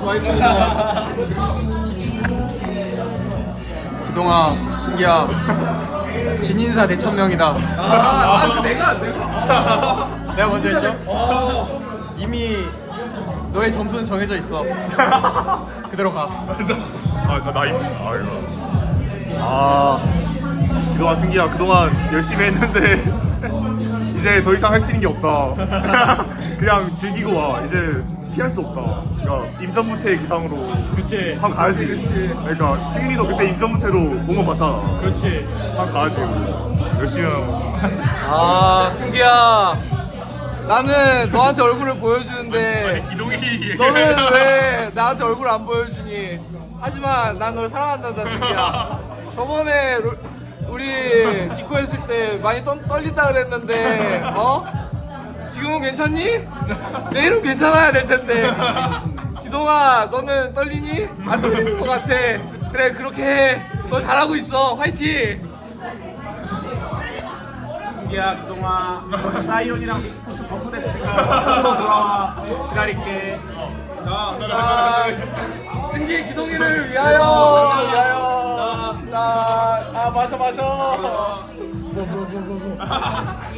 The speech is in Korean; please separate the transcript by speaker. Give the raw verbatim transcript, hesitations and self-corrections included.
Speaker 1: 와이프입니다. 기동아, 승기야, 진인사 대천명이다. 아, 아, 그 내가 내가 내가 먼저 했죠? 이미 너의 점수는 정해져 있어. 그대로 가.
Speaker 2: 아, 나 나이. 아이고. 아, 그동안 승기야, 그동안 열심히 했는데 이제 더 이상 할 수 있는 게 없다. 그냥 즐기고 와. 이제 피할 수 없다. 그러니까 임전무태 기상으로.
Speaker 1: 그렇지.
Speaker 2: 한 가야지.
Speaker 1: 그치.
Speaker 2: 그러니까 승인이도 그때 임전무태로 공원 봤잖아.
Speaker 1: 그렇지.
Speaker 2: 한 가야지. 열심히 하고.
Speaker 1: 아, 승기야, 나는 너한테 얼굴을 보여주는데
Speaker 2: 기동이
Speaker 1: 너는 왜 나한테 얼굴 안 보여주니? 하지만 난 널 사랑한단다, 승기야. 저번에 로, 우리 디코 했을 때 많이 떨, 떨린다 그랬는데, 어? 지금은 괜찮니? 내일은 괜찮아야 될 텐데. 기동아, 너는 떨리니? 안 떨리는 것 같아. 그래, 그렇게 해. 너 잘하고 있어. 화이팅!
Speaker 3: 승기야, 그동안 사이온이랑 미스코츠 버프됐으니까 한번로 돌아와. 기다릴게. 자,
Speaker 1: 자, 승기 기동이를 위하여, 위하여. 자, 아, 마셔, 마셔.